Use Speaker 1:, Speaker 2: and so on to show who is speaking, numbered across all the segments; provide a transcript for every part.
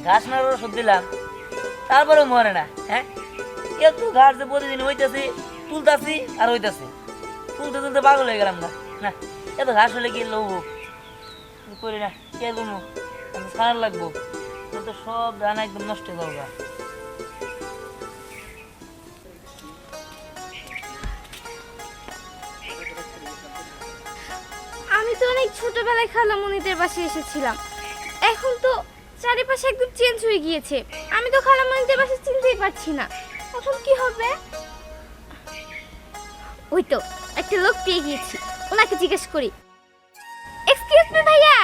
Speaker 1: ঘাস মারার ওষুধ দিলাম, তারপরেও মরে না। হ্যাঁ, এত ঘাস যে প্রতিদিন হইতেছে, তুলতাছি আর হইতাছে, তুলতে তুলতে পাগল হয়ে গেলাম। না না, এত ঘাস হলে কি লবো করি না, কে করবো, সারার লাগবো, তো সব ধান একদম নষ্ট হয়ে যাবো।
Speaker 2: আমি তো অনেক ছোটবেলায় খালামণিদের বাসায় এসেছিলাম, এখন তো চারিপাশে একদম চেঞ্জ হয়ে গিয়েছে। আমি তো খালামণিদের বাসায় চিনতেই পারছি না, এখন কি হবে? ওই তো একটা লোক পেয়ে গিয়েছি, ওনাকে জিজ্ঞেস করি। এক্সকিউজ মি ভাইয়া।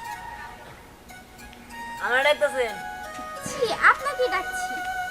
Speaker 1: আমার ডাকতেছেন?
Speaker 2: জি, আপনাকে ডাকছি।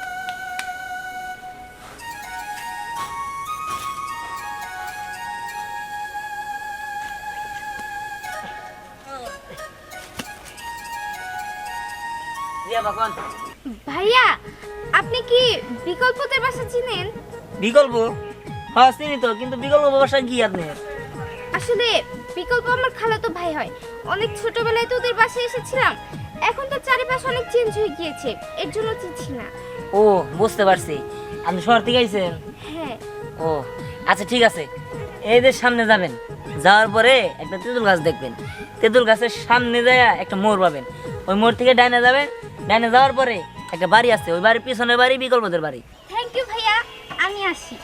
Speaker 2: ভাইয়া, আপনি কি বিকল্পদের বাসা চিনেন?
Speaker 1: বিকল্প? হ্যাঁ চিনি তো, কিন্তু বিকল্প বাসা কি আপনি?
Speaker 2: আসলে বিকল্প আমার খালাতো ভাই হয়, অনেক ছোটবেলায় তো ওদের বাসায় এসেছিলাম, এখন তো চারিপাশে অনেক চেঞ্জ হয়ে গিয়েছে, এর জন্য চিনছি না।
Speaker 1: ও বুঝতে পারছি, আপনি শহর থেকে আইছেন?
Speaker 2: হ্যাঁ।
Speaker 1: ও আচ্ছা ঠিক আছে, এই যে সামনে যাবেন, যাওয়ার পরে একটা তেঁতুল গাছ দেখবেন, তেঁতুল গাছের সামনে যায় একটা মোড় পাবেন, ওই মোড় থেকে ডাইনে যাবেন, ডাইনে যাওয়ার পরে একটা বাড়ি আছে, ওই বাড়ির পিছনের বাড়ি বিকল্পদের বাড়ি।
Speaker 2: থ্যাংক ইউ ভাইয়া, আমি আসি।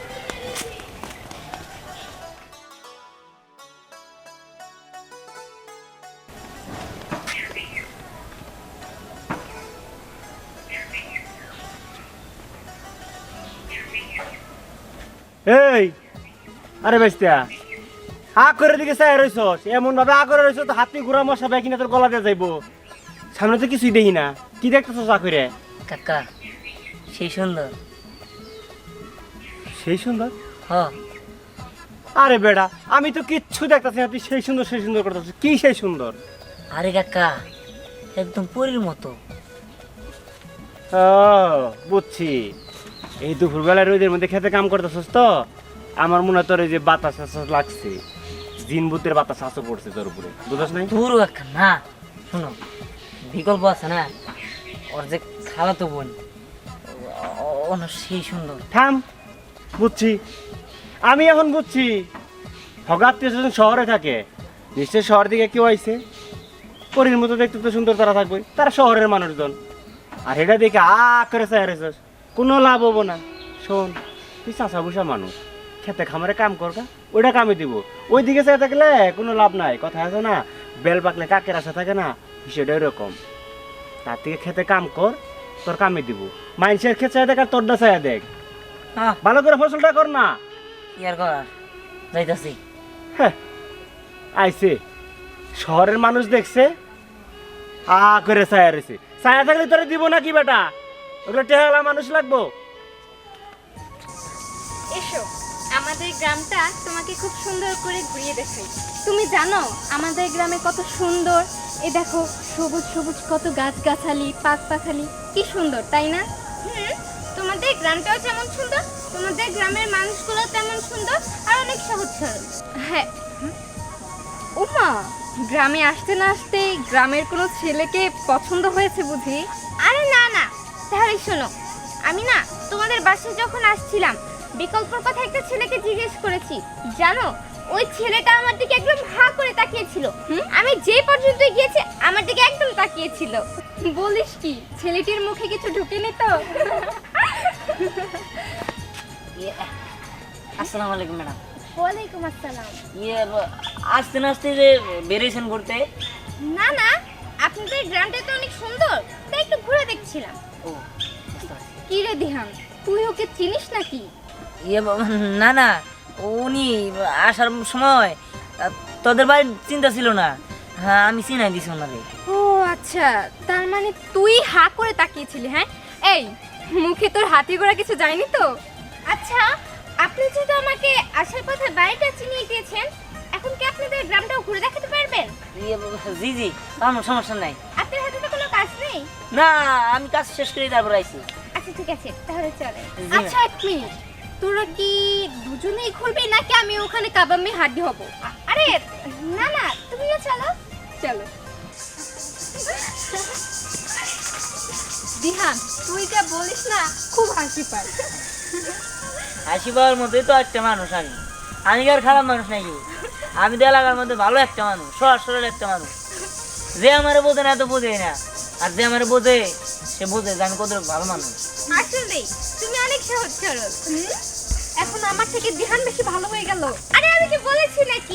Speaker 3: এই আরে বেস্তা হা করে দিকে চাই রইছস, এমন ভাবে হা করে রইছ তো হাতি ঘোড়া মশা বাই কিনা তোর গলা দিয়ে যাইবো, সামনে তো কিছুই দেখি না, কি দেখতেছস হা করে?
Speaker 1: কাকা সেই সুন্দর।
Speaker 3: সেই সুন্দর?
Speaker 1: হ।
Speaker 3: আরে বেড়া, আমি তো কিচ্ছু দেখতেছি না, তুই সেই সুন্দর করতেছিস, কি সেই সুন্দর?
Speaker 1: আরে কাকা একদম পরীর মতো।
Speaker 3: ও বুঝছি, এই দুপুরবেলা রোদের মধ্যে খেতে কাম করতেছস তো, আমার মনে হয় তোর এই যে বাতাস লাগছে, জিন ভূতের বাতাস আসো পড়ছে তোর উপরে, বুঝছ নাই?
Speaker 1: দূর কাকা না, শোনো, বিকল্প আছে না, ওর যে খালাতো বোন, ও না সেই সুন্দর।
Speaker 3: থাম, বুঝছি, আমি এখন বুঝছি, হগাত্মীয় স্বজন শহরে থাকে, নিশ্চয় শহর দিকে কেউ আইছে, পরীর মতো দেখতে তো সুন্দর তারা থাকবে, তারা শহরের মানুষজন, আর এটা দেখে করে চাই রেছিস, কোনো লাভ হবো না। শোন, তুই চাষা বুসা মানুষ, খেতে খামারে কাম করবা, ওইটা কামে দিব, ওই দিকে চাই থাকলে কোনো লাভ নাই, কথা আছে না, বেল পাকলে কাকের আশা থাকে না, বিষয়টা এরকম। তার থেকে খেতে কাম কর, তোর কামে দিব, মানুষের খেতে চাই দেখ আর তোরটা চাই দেখ, ভালো করে ফসলটা কর না।
Speaker 1: কি আর করার, যাইতাছি।
Speaker 3: হ্যাঁ আইছে, শহরের মানুষ দেখছে, করে ছায়া রয়েছে, ছায়া থাকলে তোরা দিব না কি বেটা, ওগুলো টেহালা মানুষ লাগবো।
Speaker 2: এসো, আমাদের গ্রামটা তোমাকে খুব সুন্দর করে ঘুরিয়ে দেখাই। তুমি জানো আমাদের গ্রামে কত সুন্দর, এই দেখো সবুজ সবুজ কত গাছগাছালি, পাখপাখালি, কি সুন্দর তাই না? তোমাদের গ্রামটাও যেমন সুন্দর, তোমাদের গ্রামের মানুষগুলো তেমন সুন্দর আর অনেক সহজ সরল। হ্যাঁ। ওমা, গ্রামে আসতে না আসতে গ্রামের কোনো ছেলেকে পছন্দ হয়েছে বুঝি? আরে না না, তাহলে শোনো, আমি না তোমাদের বাসায় যখন আসছিলাম বিকল্পর কথা একটা ছেলেকে জিজ্ঞেস করেছি, জানো ওই ছেলেটা আমার দিকে একদম হা করে তাকিয়েছিল, আমি যে পর্যন্ত গিয়েছি আমার দিকে একদম তাকিয়েছিল। বলিস কি, ছেলেটির মুখে কিছু ঢুকেনি তো?
Speaker 1: আসসালামু আলাইকুম ম্যাডাম।
Speaker 2: ওয়ালাইকুম আসসালাম।
Speaker 1: আসতে না আসতে যে বেরিয়েছেন ঘুরতে?
Speaker 2: না না, আপনাদের গ্রামটা তো অনেক সুন্দর, তাই একটু ঘুরে দেখছিলাম।
Speaker 1: ও বুঝতে পারছি।
Speaker 2: কি রে দিহান, তুই ওকে চিনিস নাকি?
Speaker 1: না না, উনি আসার সময় তোদের বাড়ির চিন্তা ছিল না, হ্যাঁ আমি চিনাই দিছি ওনারে।
Speaker 2: ও আচ্ছা, তার মানে তুই হা করে তাকিয়েছিলি? হ্যাঁ, এই মুখে তোর হাতি ঘোড়া কিছু যায়নি তো? আচ্ছা, আপনি যেহেতু আমাকে আসার কথা বাড়িটা চিনিয়ে দিয়েছেন, এখন কি আপনাদের গ্রামটাও ঘুরে দেখাতে পারবেন?
Speaker 1: জি জি, কোনো সমস্যা নাই।
Speaker 2: আপনার হাতে তো কোনো কাজ নেই?
Speaker 1: না, আমি কাজ শেষ করে তারপর আইছি।
Speaker 2: আচ্ছা ঠিক আছে, তাহলে চলে।
Speaker 1: জি।
Speaker 2: আচ্ছা এক মিনিট, তোরা কি দুজনেই ঘুরবি নাকি আমি ওখানে কাবামে হাড্ডি হব? আরে না না, তুমিও চলো। চলো। দিহান তুই যা বলিস না খুব হাসি পায়।
Speaker 1: হাসি পাওয়ার মধ্যেই তো একটা মানুষ আমি। আমি কি আর খারাপ মানুষ নাকি? আমি তো এলাকার মধ্যে ভালো একটা মানুষ, সহজ সরল একটা মানুষ। যে আমার বোঝে না তো বোঝেই না, আর যে আমার বোঝে সে বোঝে যে আমি কত ভালো মানুষ।
Speaker 2: আসলে তুমি অনেক সহজ সরল। এখন আমার থেকে দিহান বেশি ভালো হয়ে গেল। আরে আমি কি বলেছি নাকি?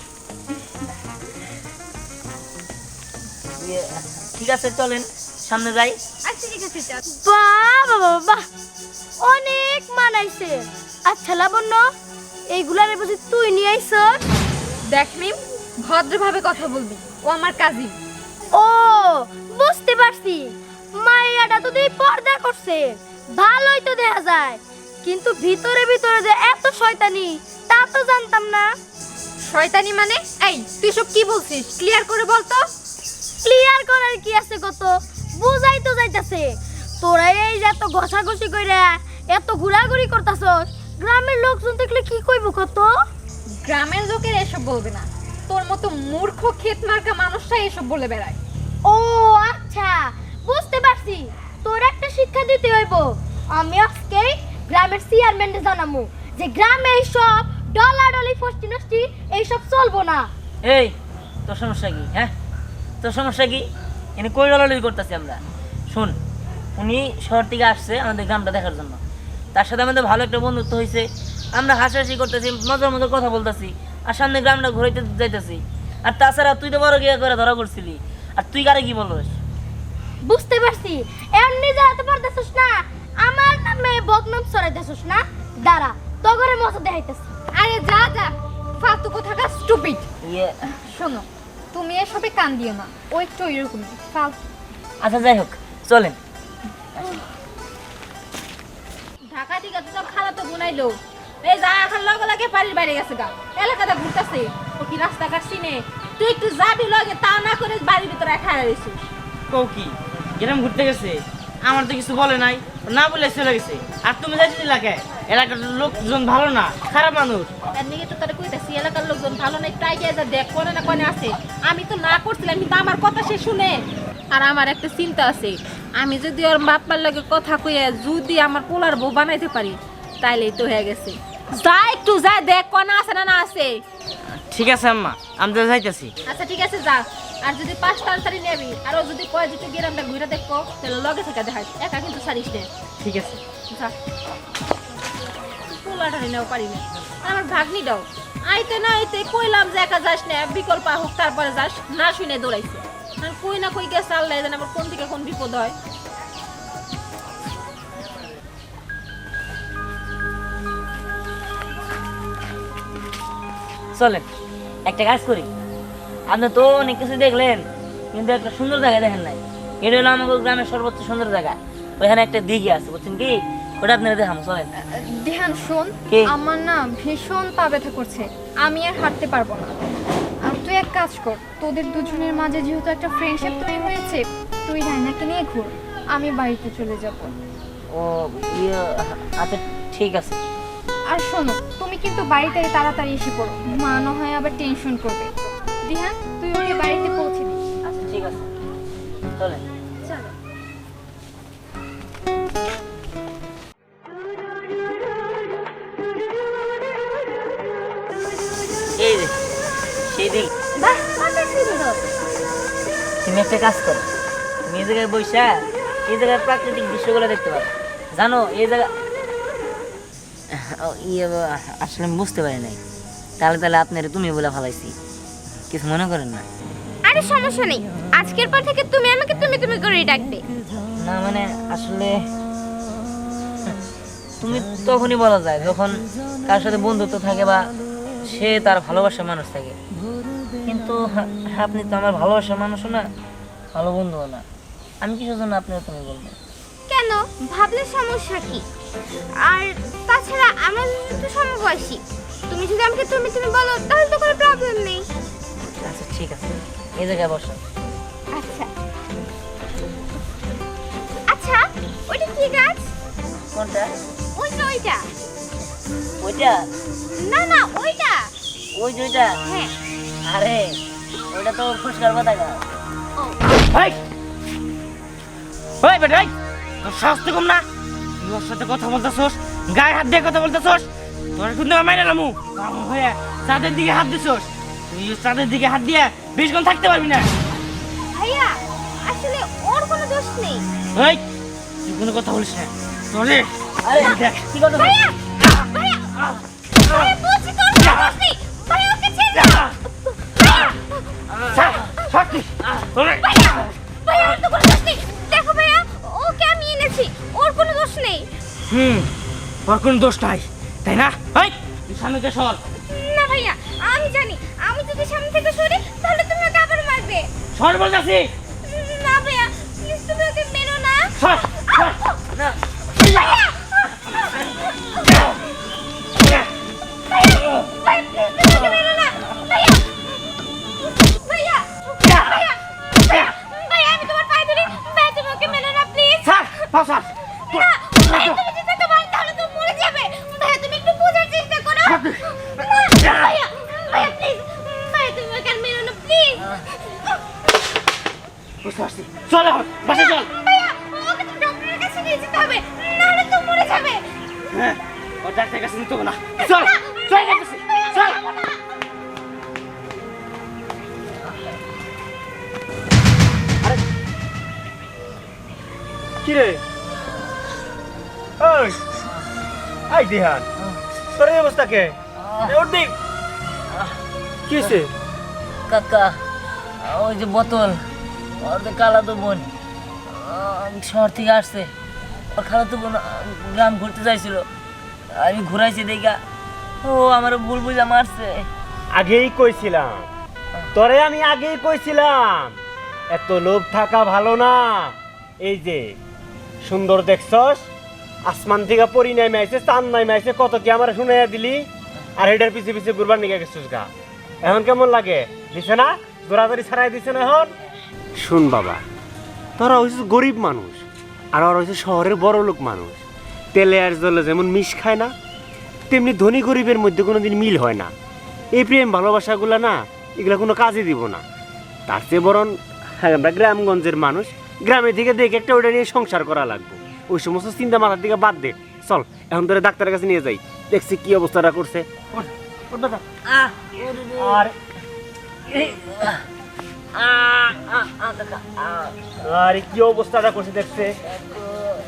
Speaker 1: ইয়ে, ঠিক আছে চলেন সামনে যাই।
Speaker 2: আচ্ছা ঠিক আছে চল।
Speaker 4: বাহ বাবা বাহ, অনেক মানাইছে। আচ্ছা লাবণ্য, এইগুলার বুঝি তুই নিয়ে আইছস?
Speaker 2: দেখ মিম, ভদ্রভাবে কথা বলবি, ও আমার কাজিন।
Speaker 4: ও বুঝতে পারছি, মাইয়াটা তো দেই পর্দা করছে, ভালোই তো দেখা যায়, কিন্তু ভিতরে ভিতরে যে এত শয়তানি তা তো জানতাম না।
Speaker 2: শয়তানি মানে? এই তুই সব কি বলছিস, ক্লিয়ার করে বল তো।
Speaker 4: ক্লিয়ার করার কি আছে, কত বুঝাই তো যাইতাছে। তোরা এই যে এত ঘষাঘষি কইরা এত ঘোরাঘুরি করতাছস, গ্রামের লোকজন দেখলে কি কইব কত?
Speaker 2: গ্রামের লোকের এসব বলবে না, তোর মতো মূর্খ ক্ষেত মার্কা মানুষটা এসব বলে বেড়ায়।
Speaker 4: ও আচ্ছা, বুঝতে পারছি, তোর একটা শিক্ষা দিতে হইব। আমি আজকে গ্রামের চেয়ারম্যানকে জানামু যে গ্রামে এইসব ডলাডলি ফষ্টি নষ্টি এইসব চলবো না।
Speaker 1: এই তোর সমস্যা কি? হ্যাঁ তোর সমস্যা কি? এনে কই ডলাডলি করতেছি আমরা? শুন, উনি শহর থেকে আসছে আমাদের গ্রামটা দেখার জন্য, তার সাথে আমাদের ভালো একটা বন্ধুত্ব হয়েছে, আমরা হাসাহাসি করতেছি, মজার মজার কথা বলতেছি, আর সামনে গ্রামটা ঘুরাইতে যাইতেছি। আর তাছাড়া তুই তো বড় গিয়ে করে ধরা করছিলি, আর তুই কারে কি বলস?
Speaker 4: বুঝতে পারছি, এমনি যাতে পারতেছস না, আমার নামে বদনাম ছড়াইতেছস না। দাঁড়া, তো ঘরে মজা দেখাইতেছি।
Speaker 2: আরে যা যা, ফালতু কোথাকার স্টুপিড।
Speaker 1: ইয়ে,
Speaker 2: শোনো, তুমি এসবে কান দিও না, ও একটু এরকমই ফালতু।
Speaker 1: আচ্ছা যাই হোক চলেন।
Speaker 2: ঢাকা থেকে তো সব খালা তো বুনাইলো, এই যা এখন লগে লগে বাড়ির বাইরে গেছে গা, এলাকাটা ঘুরতেছে, ও কি রাস্তাঘাট চিনে? তুই একটু যাবি লগে, তা না করে বাড়ির ভিতরে খাড়া রইছিস।
Speaker 5: কও কি গ্রাম ঘুরতে গেছে? আমার তো কিছু বলে নাই, না বলে চলে গেছে। আর তুমি যাইতে এলাকায়, এলাকার লোকজন ভালো না, খারাপ মানুষ।
Speaker 2: তার নিয়ে তো তারা কইতাছি এলাকার লোকজন ভালো না, একটু আগে যা দেখ কোনে না কোনে আছে। আমি তো না করছিলাম, কিন্তু আমার কথা সে শুনে। আর আমার একটা চিন্তা আছে, আমি যদি ওর বাপ্পার লগে কথা কইয়া যদি আমার পোলার বউ বানাইতে পারি, তাইলেই তো হয়ে গেছে। যা একটু যা দেখ কোনে আছে না না আছে।
Speaker 5: ঠিক আছে আম্মা, আমি তো যাইতেছি।
Speaker 2: আচ্ছা ঠিক আছে যা। আর যদি 5 তাড়াতাড়ি নেবি, আর ও যদি কয় যে তুই গ্রামটা ঘুরে দেখো, তাহলে লগে থেকে দেখাস, একা কিন্তু ছাড়িস না।
Speaker 5: ঠিক আছে।
Speaker 2: যা, পোলাটারি নেও পারি না। আর আমার ভাগ্নি দাও, আইতে না আইতে কইলাম যে একা যাস না, বিকল্প হোক তারপরে যাস, না শুনে দৌড়াইছে। আর কই না কই গেছে, আল্লাহ জানে আবার কোন থেকে কোন বিপদ হয়।
Speaker 1: চলেন একটা কাজ করি, আপনি তো অনেক কিছু দেখলেন, কিন্তু একটা সুন্দর জায়গা দেখেন নাই। এটা হলো আমাদের গ্রামের সর্বোচ্চ সুন্দর জায়গা, ওইখানে একটা দিঘি আছে, বুঝছেন কি? ওটা আপনারা দেখাম, চলেন।
Speaker 2: ধ্যান শোন,
Speaker 1: কি?
Speaker 2: আমার না ভীষণ পা ব্যথা করছে, আমি আর হাঁটতে পারবো না। আর তুই এক কাজ কর, তোদের দুজনের মাঝে যেহেতু একটা ফ্রেন্ডশিপ তৈরি হয়েছে, তুই রায়নাকে নিয়ে ঘুর, আমি বাড়িতে চলে যাব।
Speaker 1: ও ইয়ে, আচ্ছা ঠিক আছে।
Speaker 2: আর শোনো, তুমি কিন্তু বাড়িতে তাড়াতাড়ি এসে পড়ো, মা না হয় আবার টেনশন করবে। দিহান তুই ওকে বাড়িতে পৌঁছে দিস।
Speaker 1: আচ্ছা ঠিক আছে, চলেন।
Speaker 2: চলো।
Speaker 1: এই যে সেই দিক,
Speaker 4: বাহ, কত সুন্দর।
Speaker 1: তুমি একটা কাজ করো, তুমি এই জায়গায় বইসা এই জায়গার প্রাকৃতিক দৃশ্যগুলো দেখতে পারো। জানো এই জায়গা ইয়ে আসলে আমি বুঝতে পারি নাই, তাহলে তাহলে আপনার তুমি বলে ফেলাইছি, কিছু মনে করেন না।
Speaker 2: আরে সমস্যা নেই, আজকের পর থেকে তুমি আমাকে তুমি তুমি করেই ডাকবে।
Speaker 1: না মানে আসলে তুমি তখনই বলা যায় যখন কার সাথে বন্ধুত্ব থাকে বা সে তার ভালোবাসার মানুষ থাকে, কিন্তু আপনি তো আমার ভালোবাসার মানুষও না, ভালো বন্ধুও না। আমি কিসের জন্য আপনার তুমি বলবো?
Speaker 2: কেন, ভাবলে সমস্যা কি? আর তাছাড়া আমার তো সমবয়সী, তুমি যদি আমাকে তুমি তুমি বলো তাহলে তো কোনো প্রবলেম নেই।
Speaker 1: আচ্ছা ঠিক আছে, এই জায়গায় বসো।
Speaker 2: আচ্ছা আচ্ছা, ওইটা কি গাছ?
Speaker 1: কোনটা?
Speaker 2: ওইটা ওইটা।
Speaker 1: ওইটা?
Speaker 2: না না ওইটা।
Speaker 1: ওই যে ওইটা?
Speaker 2: হ্যাঁ।
Speaker 1: আরে ওইটা তো ফুসকার পাতা গাছ।
Speaker 2: ও
Speaker 5: এই ওই বেটা, এই তোর সাহস তো কম না, তুই ওর সাথে কথা বলতেছস, গায়ে হাত দিয়ে কথা বলতেছস, তোর কিন্তু আমি মাইরা নামু হয়ে চাঁদের দিকে হাত দিছস, তুই চাঁদের দিকে হাত দিয়ে 20 ঘন্টা থাকতে পারবি না।
Speaker 2: ভাইয়া আসলে ওর কোনো দোষ নেই।
Speaker 5: এই তুই কোনো কথা বলিস না, তোরে
Speaker 1: আরে
Speaker 5: দেখ
Speaker 1: কি কথা
Speaker 2: ভাইয়া ভাইয়া ভাইয়া বলছি তোর কোনো দোষ নেই। ভাইয়া ওকে ছেড়ে দাও।
Speaker 5: সত্যি তোরে
Speaker 2: ভাইয়া ভাইয়া ওর তো কোনো দোষ নেই। দেখো ভাইয়া ওকে আমি এনেছি, ওর কোনো দোষ নেই।
Speaker 5: ওর কোনো দোষ নাই তাই না? এই তুই সামনে থেকে সর,
Speaker 2: না ভাইয়া আমি জানি, আমি যদি সামনে থেকে সরি তাহলে তুমি ওকে আবার মারবে।
Speaker 5: সর বলতেছি,
Speaker 2: না ভাইয়া প্লিজ তুমি ওকে মেরো না।
Speaker 5: সর সর
Speaker 1: না
Speaker 2: ভাইয়া ভাইয়া প্লিজ তুমি ওকে মেরো না। ভাইয়া ভাইয়া ভাইয়া ভাইয়া আমি তোমার পায়ে ধরি, ভাইয়া তুমি ওকে মেরো না প্লিজ।
Speaker 5: সর সর
Speaker 2: না ভাইয়া তুমি যদি তাকে মারো তাহলে তো মরে যাবে। ভাইয়া তুমি একটু বোঝার চেষ্টা করো। না, ভাইয়া ভাইয়া প্লিজ ভাইয়া তুমি ওকে আর মেরো না প্লিজ।
Speaker 5: বুঝতে পারছি, চল এখন বাসে চল।
Speaker 2: ভাইয়া ওকে তো ডক্টরের কাছে নিয়ে যেতে হবে, নাহলে তো মরে যাবে।
Speaker 5: হ্যাঁ ও ডাক্তারের কাছে নিতে হবে না, চল চল যাইতেছি, চল।
Speaker 3: কি রে ওই আই দিহান, তোর এই অবস্থা কে? ওর দিক কি হয়েছে?
Speaker 1: কাকা ওই যে বোতল ওর যে খালাতো বোন শহর থেকে আসছে, ওর খালাতো বোন গ্রাম ঘুরতে চাইছিল, আমি ঘুরাইছি দেখা ও আমার ভুল বুঝা মারছে।
Speaker 3: আগেই কইছিলাম তোরে, আমি আগেই কইছিলাম এত লোভ থাকা ভালো না। এই যে সুন্দর দেখছস, আসমান থেকে পরি নাইমে আইছে, চাঁদ নাইমে আইছে, কত কি আমার শুনাইয়া দিলি, আর এটার পিছে পিছে ঘুরবার নিয়ে গেছিস গা। এখন কেমন লাগে? দিছে না দৌড়াদৌড়ি ছাড়াই দিছে না? এখন শুন বাবা, তোরা হইছিস গরিব মানুষ আর ওরা হইছে শহরের বড় লোক মানুষ। তেলে আর জলে যেমন মিশ খায় না, তেমনি ধনী গরিবের মধ্যে কোনোদিন মিল হয় না। এই প্রেম ভালোবাসাগুলো না, এগুলো কোনো কাজে দিব না। তার চেয়ে বরং আমরা গ্রামগঞ্জের মানুষ, গ্রামের দিকে দেখে একটা ওটা নিয়ে সংসার করা লাগবে। ওই সমস্ত চিন্তা মাথার দিকে বাদ দে, চল এখন তোরে ডাক্তারের কাছে নিয়ে যাই, দেখছি কি অবস্থাটা করছে।
Speaker 1: আহ ওরে রে।
Speaker 3: আর
Speaker 1: এই, কাকা
Speaker 3: আর কি অবস্থাটা করছে দেখছে।